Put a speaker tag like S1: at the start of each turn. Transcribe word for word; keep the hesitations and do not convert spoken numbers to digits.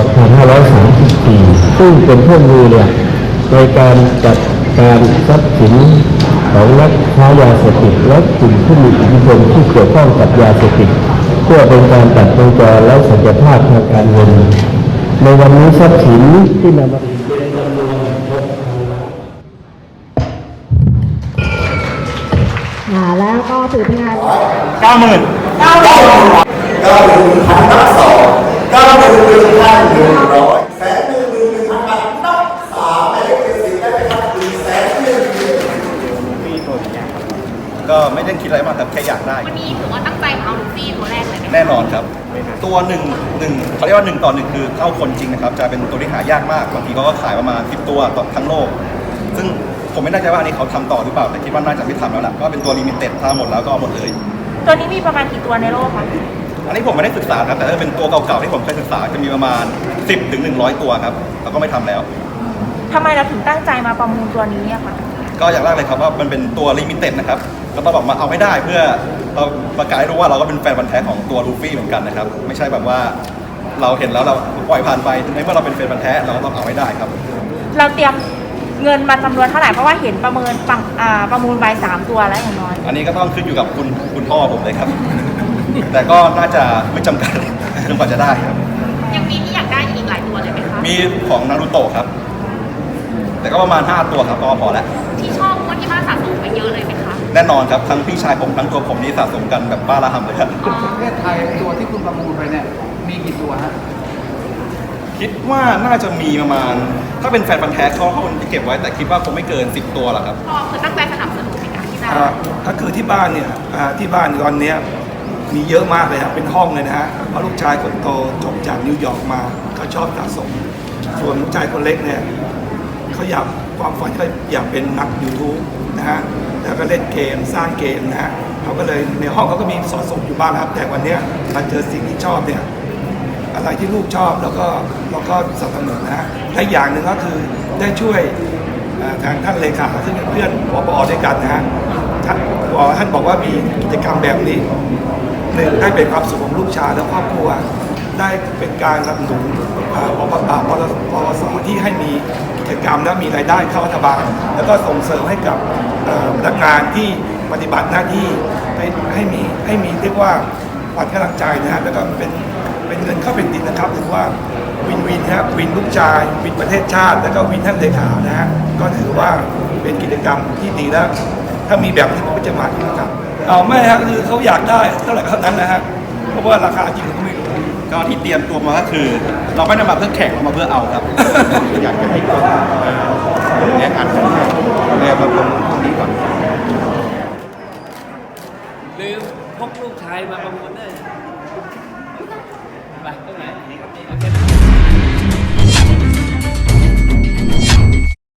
S1: พันห้าร้อยสามสิบสี่ซึ่งเป็นเครื่องมือเนี่ยในการจัดการทรัพย์สินของนักค้ายาเสพติดและกลุ่มผู้มีอิทธิพลที่เกี่ยวข้องกับยาเสพติดเพื่อเป็นการตัดวงจรและสัจภาพทางการเงินในวันนี้ทรัพย์สินที่นำมาในจำนวน
S2: อ่าแล้วก็ถือเป็นงาน
S3: เก้าหมื่น
S2: เก้าหมื่น
S4: เก้าหมื่นหนึ่งพันนับสองเก้าหมื่นหนึ่งพันหนึ่งร้อยแสนหนึ่งหมื่นหนึ่งพันบาทนับสามหมายเลขเจ็ดสิบได้ไหมครับหนึ่งแสนหนึ่งหมื่น
S3: มีตัวนี้ก็ไม่ได้คิดอะไรมากแต่แค่อยากได้
S5: วันนี้ถือว่าตั้งใจเอาลูฟี่ตัวแรกเลยไหม
S3: แน่นอนครับตัวหนึ่งหนึ่งเขาเรียกว่าหนึ่งต่อหนึ่งคือเข้าคนจริงนะครับจะเป็นตัวที่หายากมากบางทีเขาก็ขายประมาณสิบตัวต่อทั้งโลกซึ่งผมไม่แน่ใจว่าอันนี้เขาทำต่อหรือเปล่าแต่คิดว่าน่าจะไม่ทำแล้วแหละก็เป็นตัวลิมิเต็ดถ้าหมดแล้วก็หมดเลย
S5: ตัวนี้มีประมาณกี่ตัวในโลกคะ
S3: อันนี้ผมไม่ได้ศึกษาครับแต่ถ้าเป็นตัวเก่าๆที่ผมเคยศึกษาจะมีประมาณสิบถึงหนึ่งร้อยตัวครับแล้วก็ไม่ทำแล้ว
S5: ทำไมเราถึงตั้งใจมาประมูลตัวนี้อะคะ
S3: ก็อย่างแรกเลยครับว่ามันเป็นตัวลิมิเต็ดนะครับก็ต้องบอกมาเอาให้ได้เพื่อเราประกาศให้รู้ว่าเราก็เป็นแฟนพันธุ์แท้ของตัวลูฟี่เหมือนกันนะครับไม่ใช่แบบว่าเราเห็นแล้วเราปล่อยผ่านไปในเมื่อเราเป็นแฟนพันธุ์แท้เราก็ต้องเอาให้ได้ครับ
S5: เราเตรียมเงินมาจำนวนเท่าไหร่เพราะว่าเห็นประเมินปังประมูลใบสามตัวแล้วอย่างน้อย
S3: อันนี้ก็ต้องขึ้นอยู่กับคุณคุณพ่อผมเลยครับแต่ก็น่าจะไม่จำกัดจนกว่าจะได้ครับ
S5: ยังมีที่อยากได้อีกหลายตัวเลยไหมคะ
S3: มีของนารูโตะครับแต่ก็ประมาณห้าตัวครับก็พอแล้ว
S5: ที่ชอบเพราะที่บ้านสะสมไปเยอะเลยไหมคะ
S3: แน่นอนครับทั้งพี่ชายผมทั้งตัวผมนี่สะสมกันแบบบ้าระห่ำเลยครับ
S6: ประเทศไทยตัวที่คุณประมูลไปเนี่ยมีกี่ตัวฮะ
S3: คิดว่าน่าจะมีประมาณถ้าเป็นแฟนพันธุ์แท้เขาเขาจะเก็บไว้แต่คิดว่าคงไม่เกินสิบตัวหรอกครับ
S5: พ่อคือตั้งใจสนับสนุนในการที่ได้
S6: ถ้าคือที่บ้านเนี่ยที่บ้านตอนนี้มีเยอะมากเลยครับเป็นห้องเลยนะฮะเพราะลูกชายคนโตจบจากนิวยอร์กมาเขาชอบสะสมส่วนลูกชายคนเล็กเนี่ยเขาอยากความฝันเขาอยากเป็นนักยูทูบนะฮะแล้วก็เล่นเกมสร้างเกมนะฮะเขาก็เลยในห้องเขาก็มีสะสมอยู่บ้างครับแต่วันนี้มาเจอสิ่งที่ชอบเนี่ยอะไรที่ลูกชอบแล้วก็เราก็สนับสนุนนะฮะและอย่างหนึ่งก็คือได้ช่วยทางท่านเลขาซึ่งเป็นเพื่อนผบ.ด้วยกันนะฮะท่านบอกว่ามีกิจกรรมแบบนี้หนึ่งได้เป็นความสุขของลูกชายและครอบครัวได้เป็นการสนับสนุนปปปปวสที่ให้มีกิจกรรมและมีรายได้เข้ารัฐบาลแล้วก็ส่งเสริมให้กับพนักงานที่ปฏิบัติหน้าที่ให้ให้มีให้มีเรียกว่าขวัญกำลังใจนะฮะแล้วก็เป็นเป็นเงินเข้าเป็นดินนะครับถือว่าวินวินนะครับวินลูกชายวินประเทศชาติแล้วก็วินท่านเลขานะฮะก็ถือว่าเป็นกิจกรรมที่ดีแล้วถ้ามีแบบนี้ผมก็จะมาที่นะครับเอาไม่ฮะคือเขาอยากได้เท่าไหร่เท่านั้นนะฮะเพราะว่าราคาจริงเขาไม่รู้
S3: ก็ที่เตรียมตัวมาก็คือเราไม่ได้มาเพื่อแข่งเรามาเพื่อเอาครับอยากจะให้คนแนะนำกันแนะนำประมูลตรงนี้ก่อน
S7: ลืมพกลูกชายมาประมูลด้วยไปตรงไหนโอเค